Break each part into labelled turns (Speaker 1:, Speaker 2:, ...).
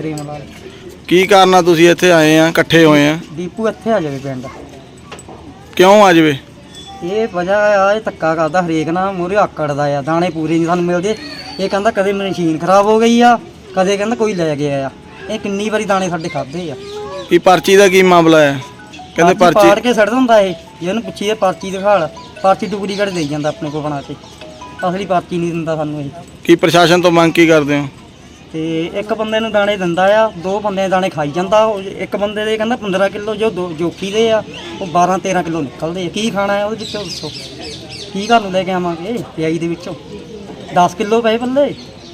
Speaker 1: ਪ੍ਰੇਮ ਲਾਲ।
Speaker 2: ਕੀ ਕਾਰਨ ਆ ਤੁਸੀਂ ਇੱਥੇ ਆਏ ਆ, ਇਕੱਠੇ ਹੋਏ ਆ?
Speaker 1: ਦੀਪੂ ਇੱਥੇ ਆ ਜਾਵੇ ਪਿੰਡ।
Speaker 2: ਕਿਉਂ ਆ ਜਾਵੇ?
Speaker 1: ਇਹ ਵਜ੍ਹਾ ਆ, ਇਹ ਧੱਕਾ ਕਰਦਾ ਹਰੇਕ ਨਾਲ, ਮੂਹਰੇ ਆਕੜਦਾ ਆ, ਦਾਣੇ ਪੂਰੇ ਨਹੀਂ ਸਾਨੂੰ ਮਿਲਦੇ। ਇਹ ਕਹਿੰਦਾ ਕਦੇ ਮਸ਼ੀਨ ਖਰਾਬ ਹੋ ਗਈ ਆ, ਕਦੇ ਕਹਿੰਦਾ ਕੋਈ ਲੈ ਗਿਆ ਆ। ਇਹ ਕਿੰਨੀ ਵਾਰੀ ਦਾਣੇ ਸਾਡੇ ਖਾਦੇ ਆ।
Speaker 2: ਕੀ ਪਰਚੀ ਦਾ ਕੀ ਮਾਮਲਾ ਹੈ? ਕਹਿੰਦੇ
Speaker 1: ਪਾੜ
Speaker 2: ਪਰਚੀ
Speaker 1: ਕੇ ਛੱਡ ਦਿੰਦਾ ਇਹ। ਜੇ ਉਹਨੂੰ ਪੁੱਛੀਏ ਪਰਚੀ ਦਿਖਾ ਲੈ, ਪਰਚੀ ਡੁਪਲੀਕੇਟ ਦੇਈ ਜਾਂਦਾ ਆਪਣੇ ਕੋਲ ਬਣਾ ਕੇ, ਅਸਲੀ ਪਰਚੀ ਨਹੀਂ ਦਿੰਦਾ ਸਾਨੂੰ ਇਹ।
Speaker 2: ਕੀ ਪ੍ਰਸ਼ਾਸਨ ਤੋਂ ਮੰਗ ਕੀ ਕਰਦੇ ਹੋ?
Speaker 1: ਤੇ ਇੱਕ ਬੰਦੇ ਨੂੰ ਦਾਣੇ ਦਿੰਦਾ ਆ, 2 ਬੰਦੇ ਦੇ ਦਾਣੇ ਖਾਈ ਜਾਂਦਾ। ਇੱਕ ਬੰਦੇ ਦੇ ਕਹਿੰਦਾ 15 ਕਿਲੋ, ਜੋ ਜੋਕੀ ਦੇ ਆ ਉਹ 12-13 ਕਿਲੋ ਨਿਕਲਦੇ ਆ। ਕੀ ਖਾਣਾ ਹੈ ਉਹਦੇ ਵਿੱਚੋਂ ਦੱਸੋ? ਕੀ ਘਰ ਨੂੰ ਲੈ ਕੇ ਆਵਾਂਗੇ ਪਿਆਈ ਦੇ ਵਿੱਚੋਂ? 10 ਕਿਲੋ ਪਏ ਪੱਲੇ।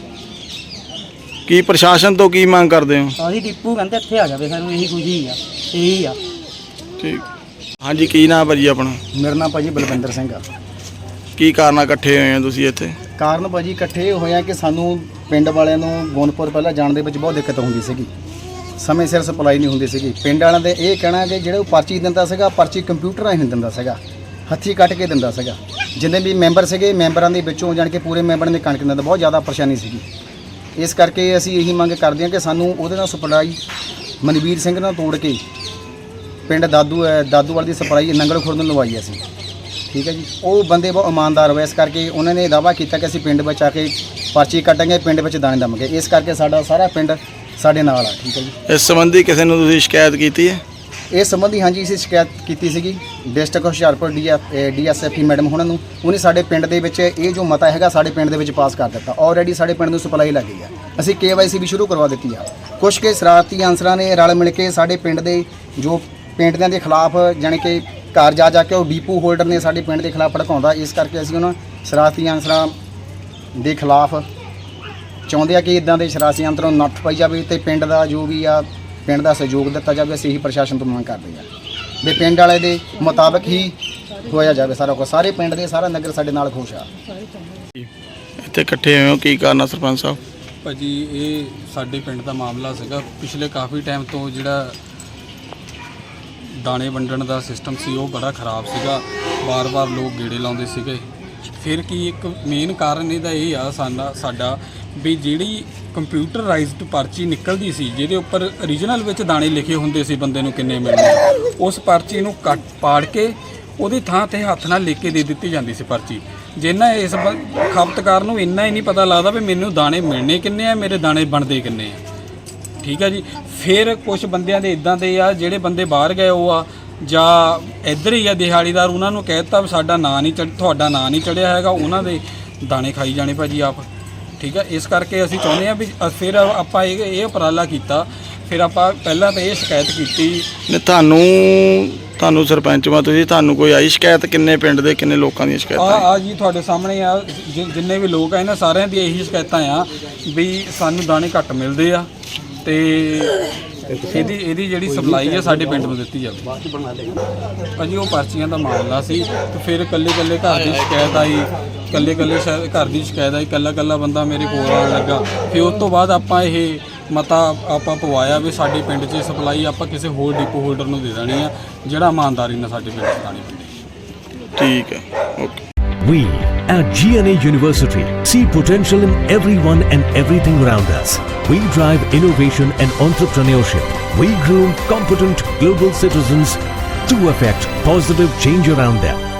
Speaker 2: ਕੀ ਪ੍ਰਸ਼ਾਸਨ ਤੋਂ ਕੀ ਮੰਗ ਕਰਦੇ ਹੋ?
Speaker 1: ਅਸੀਂ ਦੀਪੂ ਕਹਿੰਦੇ ਇੱਥੇ ਆ ਜਾਵੇ, ਸਾਨੂੰ ਇਹੀ ਖੁਸ਼ੀ ਆ, ਇਹੀ ਆ।
Speaker 2: ਠੀਕ। ਹਾਂਜੀ, ਕੀ ਨਾਮ ਭਾਜੀ ਆਪਣਾ?
Speaker 3: ਮੇਰਾ ਨਾਮ ਭਾਜੀ ਬਲਵਿੰਦਰ ਸਿੰਘ ਆ।
Speaker 2: ਕੀ ਕਾਰਨ ਆ ਇਕੱਠੇ ਹੋਏ ਆ ਤੁਸੀਂ ਇੱਥੇ?
Speaker 3: ਕਾਰਨ ਭਾਜੀ ਇਕੱਠੇ ਹੋਏ ਆ ਕਿ ਸਾਨੂੰ ਪਿੰਡ ਵਾਲਿਆਂ ਨੂੰ ਗੋਨਪੁਰ ਪਹਿਲਾਂ ਜਾਣ ਦੇ ਵਿੱਚ ਬਹੁਤ ਦਿੱਕਤ ਹੁੰਦੀ ਸੀਗੀ, ਸਮੇਂ ਸਿਰ ਸਪਲਾਈ ਨਹੀਂ ਹੁੰਦੀ ਸੀਗੀ। ਪਿੰਡ ਵਾਲਿਆਂ ਦੇ ਇਹ ਕਹਿਣਾ ਕਿ ਜਿਹੜੇ ਉਹ ਪਰਚੀ ਦਿੰਦਾ ਸੀਗਾ, ਪਰਚੀ ਕੰਪਿਊਟਰ ਰਾਹੀਂ ਦਿੰਦਾ ਸੀਗਾ, ਹੱਥੀਂ ਕੱਟ ਕੇ ਦਿੰਦਾ ਸੀਗਾ। ਜਿੰਨੇ ਵੀ ਮੈਂਬਰ ਸੀਗੇ, ਮੈਂਬਰਾਂ ਦੇ ਵਿੱਚੋਂ ਜਾਣ ਕੇ ਪੂਰੇ ਮੈਂਬਰਾਂ ਦੇ ਕਣਕ ਦਿੰਦਾ, ਬਹੁਤ ਜ਼ਿਆਦਾ ਪਰੇਸ਼ਾਨੀ ਸੀਗੀ। ਇਸ ਕਰਕੇ ਅਸੀਂ ਇਹੀ ਮੰਗ ਕਰਦੇ ਹਾਂ ਕਿ ਸਾਨੂੰ ਉਹਦੇ ਨਾਲ ਸਪਲਾਈ ਮਨਵੀਰ ਸਿੰਘ ਨਾਲ ਤੋੜ ਕੇ ਪਿੰਡ ਦਾਦੂਵਾਲ ਦੀ ਸਪਲਾਈ ਨੰਗਲ ਖੁਰਦ ਨੂੰ ਲਵਾਈ ਅਸੀਂ। ਠੀਕ ਹੈ ਜੀ, ਉਹ ਬੰਦੇ ਬਹੁਤ ਇਮਾਨਦਾਰ ਹੋਏ, ਇਸ ਕਰਕੇ ਉਹਨਾਂ ਨੇ ਦਾਅਵਾ ਕੀਤਾ ਕਿ ਅਸੀਂ ਪਿੰਡ ਵਿੱਚ ਆ ਕੇ ਪਰਚੀ ਕੱਟਾਂਗੇ, ਪਿੰਡ ਵਿੱਚ ਦਾਣੇ ਦਵਾਂਗੇ। ਇਸ ਕਰਕੇ ਸਾਡਾ ਸਾਰਾ ਪਿੰਡ ਸਾਡੇ ਨਾਲ ਆ। ਠੀਕ ਹੈ ਜੀ।
Speaker 2: ਇਸ ਸੰਬੰਧੀ ਕਿਸੇ ਨੂੰ ਤੁਸੀਂ ਸ਼ਿਕਾਇਤ ਕੀਤੀ ਹੈ?
Speaker 3: ਇਸ ਸੰਬੰਧੀ ਹਾਂਜੀ ਅਸੀਂ ਸ਼ਿਕਾਇਤ ਕੀਤੀ ਸੀਗੀ ਡਿਸਟ੍ਰਿਕਟ ਹੁਸ਼ਿਆਰਪੁਰ DSFE ਮੈਡਮ ਉਹਨਾਂ ਨੂੰ। ਉਹਨੇ ਸਾਡੇ ਪਿੰਡ ਦੇ ਵਿੱਚ ਇਹ ਜੋ ਮਤਾ ਹੈਗਾ ਸਾਡੇ ਪਿੰਡ ਦੇ ਵਿੱਚ ਪਾਸ ਕਰ ਦਿੱਤਾ। ਆਲਰੇਡੀ ਸਾਡੇ ਪਿੰਡ ਨੂੰ ਸਪਲਾਈ ਲੱਗ ਗਈ ਆ। ਅਸੀਂ KYC ਵੀ ਸ਼ੁਰੂ ਕਰਵਾ ਦਿੱਤੀ ਆ। ਕੁਝ ਕੇ ਸ਼ਰਾਰਤੀ ਅਨਸਰਾਂ ਨੇ ਰਲ ਮਿਲ ਕੇ ਸਾਡੇ ਪਿੰਡ ਦੇ ਜੋ ਪਿੰਡਾਂ ਦੇ ਖਿਲਾਫ ਜਾਣੀ ਕਿ ਘਰ ਜਾ ਕੇ ਉਹ ਡੀਪੂ ਹੋਲਡਰ ਨੇ ਸਾਡੇ ਪਿੰਡ ਦੇ ਖਿਲਾਫ ਭੜਕਾਉਂਦਾ। ਇਸ ਕਰਕੇ ਅਸੀਂ ਉਹਨਾਂ ਸ਼ਰਾਰਤੀ ਅਨਸਰਾਂ ਦੇ ਖਿਲਾਫ ਚਾਹੁੰਦੇ ਆ ਕਿ ਇਦਾਂ ਦੇ ਸ਼ਰਾਰਤੀ ਅੰਤਰੋਂ ਨੱਥ ਪਾਈ ਜਾਵੇ ਤੇ ਪਿੰਡ ਦਾ ਜੋ ਵੀ ਆ ਪਿੰਡ ਦਾ ਸਹਿਯੋਗ ਦਿੱਤਾ ਜਾਵੇ। ਅਸੀਂ ਇਹੀ ਪ੍ਰਸ਼ਾਸਨ ਤੋਂ ਮੰਗ ਕਰਦੇ ਹਾਂ ਵੀ ਪਿੰਡ ਵਾਲੇ ਦੇ ਮੁਤਾਬਕ ਹੀ ਹੋਇਆ ਜਾਵੇ ਸਾਰਾ ਕੁਝ। ਸਾਰੇ ਪਿੰਡ ਦੇ ਸਾਰਾ ਨਗਰ ਸਾਡੇ ਨਾਲ ਖੁਸ਼ ਆ।
Speaker 2: ਇੱਥੇ ਇਕੱਠੇ ਹੋਏ ਹੋ, ਕੀ ਕਾਰਨ ਆ ਸਰਪੰਚ ਸਾਹਿਬ?
Speaker 4: ਭਾਜੀ ਇਹ ਸਾਡੇ ਪਿੰਡ ਦਾ ਮਾਮਲਾ ਸੀਗਾ। ਪਿਛਲੇ ਕਾਫੀ ਟਾਈਮ ਤੋਂ ਜਿਹੜਾ ਦਾਣੇ ਵੰਡਣ ਦਾ ਸਿਸਟਮ ਸੀ ਉਹ ਬੜਾ ਖਰਾਬ ਸੀਗਾ। ਵਾਰ-ਵਾਰ ਲੋਕ ਗੇੜੇ ਲਾਉਂਦੇ ਸੀਗੇ। ਫਿਰ ਕੀ ਇੱਕ ਮੇਨ ਕਾਰਨ ਇਹਦਾ ਇਹ ਆ ਸਾਡਾ ਵੀ ਜਿਹੜੀ ਕੰਪਿਊਟਰਾਈਜ਼ਡ ਪਰਚੀ ਨਿਕਲਦੀ ਸੀ ਜਿਹਦੇ ਉੱਪਰ ਓਰੀਜਨਲ ਵਿੱਚ ਦਾਣੇ ਲਿਖੇ ਹੁੰਦੇ ਸੀ ਬੰਦੇ ਨੂੰ ਕਿੰਨੇ ਮਿਲਣੇ, ਉਸ ਪਰਚੀ ਨੂੰ ਪਾੜ ਕੇ ਉਹਦੀ ਥਾਂ ਤੇ ਹੱਥ ਨਾਲ ਲਿਖ ਕੇ ਦੇ ਦਿੱਤੀ ਜਾਂਦੀ ਸੀ ਪਰਚੀ। ਜਿੰਨਾ ਇਸ ਖਪਤਕਾਰ ਨੂੰ ਇੰਨਾ ਹੀ ਨਹੀਂ ਪਤਾ ਲੱਗਦਾ ਵੀ ਮੈਨੂੰ ਦਾਣੇ ਮਿਲਣੇ ਕਿੰਨੇ ਆ, ਮੇਰੇ ਦਾਣੇ ਬਣਦੇ ਕਿੰਨੇ ਆ। ਠੀਕ ਹੈ ਜੀ। ਫਿਰ ਕੁਝ ਬੰਦਿਆਂ ਦੇ ਇਦਾਂ ਦੇ ਆ ਜਿਹੜੇ ਬੰਦੇ ਬਾਹਰ ਗਏ ਉਹ ਆ ਜਾਂ ਇੱਧਰ ਹੀ ਆ ਦਿਹਾੜੀਦਾਰ, ਉਹਨਾਂ ਨੂੰ ਕਹਿ ਦਿੱਤਾ ਵੀ ਸਾਡਾ ਨਾਂ ਨਹੀਂ ਤੁਹਾਡਾ ਨਾਂ ਨਹੀਂ ਚੜਿਆ ਹੈਗਾ, ਉਹਨਾਂ ਦੇ ਦਾਣੇ ਖਾਈ ਜਾਣੇ ਭਾਜੀ ਆਪ। ਠੀਕ ਹੈ। ਇਸ ਕਰਕੇ ਅਸੀਂ ਚਾਹੁੰਦੇ ਹਾਂ ਵੀ ਫਿਰ ਆਪਾਂ ਇਹ ਉਪਰਾਲਾ ਕੀਤਾ। ਫਿਰ ਆਪਾਂ ਪਹਿਲਾਂ ਤਾਂ ਇਹ ਸ਼ਿਕਾਇਤ ਕੀਤੀ।
Speaker 2: ਨੇ ਤੁਹਾਨੂੰ ਸਰਪੰਚ ਵਾ ਤੁਸੀਂ, ਤੁਹਾਨੂੰ ਕੋਈ ਆਈ ਸ਼ਿਕਾਇਤ? ਕਿੰਨੇ ਪਿੰਡ ਦੇ ਕਿੰਨੇ ਲੋਕਾਂ ਦੀਆਂ ਸ਼ਿਕਾਇਤਾਂ
Speaker 4: ਆ ਜੀ ਤੁਹਾਡੇ ਸਾਹਮਣੇ ਆ, ਜਿੰਨੇ ਵੀ ਲੋਕ ਆ ਇਹਨਾਂ ਸਾਰਿਆਂ ਦੀ ਇਹੀ ਸ਼ਿਕਾਇਤਾਂ ਆ ਵੀ ਸਾਨੂੰ ਦਾਣੇ ਘੱਟ ਮਿਲਦੇ ਆ ਤੇ ਇਹਦੀ ਜਿਹੜੀ ਸਪਲਾਈ ਆ ਸਾਡੇ ਪਿੰਡ ਨੂੰ ਦਿੱਤੀ ਜਾਵੇ। ਭਾਜੀ ਉਹ ਪਰਚੀਆਂ ਦਾ ਮਾਮਲਾ ਸੀ ਤੇ ਫਿਰ ਇਕੱਲੇ ਘਰ ਦੀ ਸ਼ਿਕਾਇਤ ਆਈ, ਇਕੱਲੇ ਘਰ ਦੀ ਸ਼ਿਕਾਇਤ ਆਈ, ਇਕੱਲਾ ਬੰਦਾ ਮੇਰੇ ਕੋਲ ਆਉਣ ਲੱਗਾ। ਫਿਰ ਉਸ ਤੋਂ ਬਾਅਦ ਆਪਾਂ ਇਹ ਮਤਾ ਆਪਾਂ ਪਵਾਇਆ ਵੀ ਸਾਡੇ ਪਿੰਡ 'ਚ ਸਪਲਾਈ ਆਪਾਂ ਕਿਸੇ ਹੋਰ ਡਿਪੋ ਹੋਲਡਰ ਨੂੰ ਦੇ ਦੇਣੀ ਆ ਜਿਹੜਾ ਇਮਾਨਦਾਰੀ ਨਾਲ ਸਾਡੇ ਪਿੰਡ 'ਚ ਦਾਣੇ ਵੰਡੇ।
Speaker 2: ਠੀਕ ਹੈ, okay.
Speaker 5: We at GNA University see potential in everyone and everything around us. We drive innovation and entrepreneurship. We groom competent global citizens to affect positive change around them.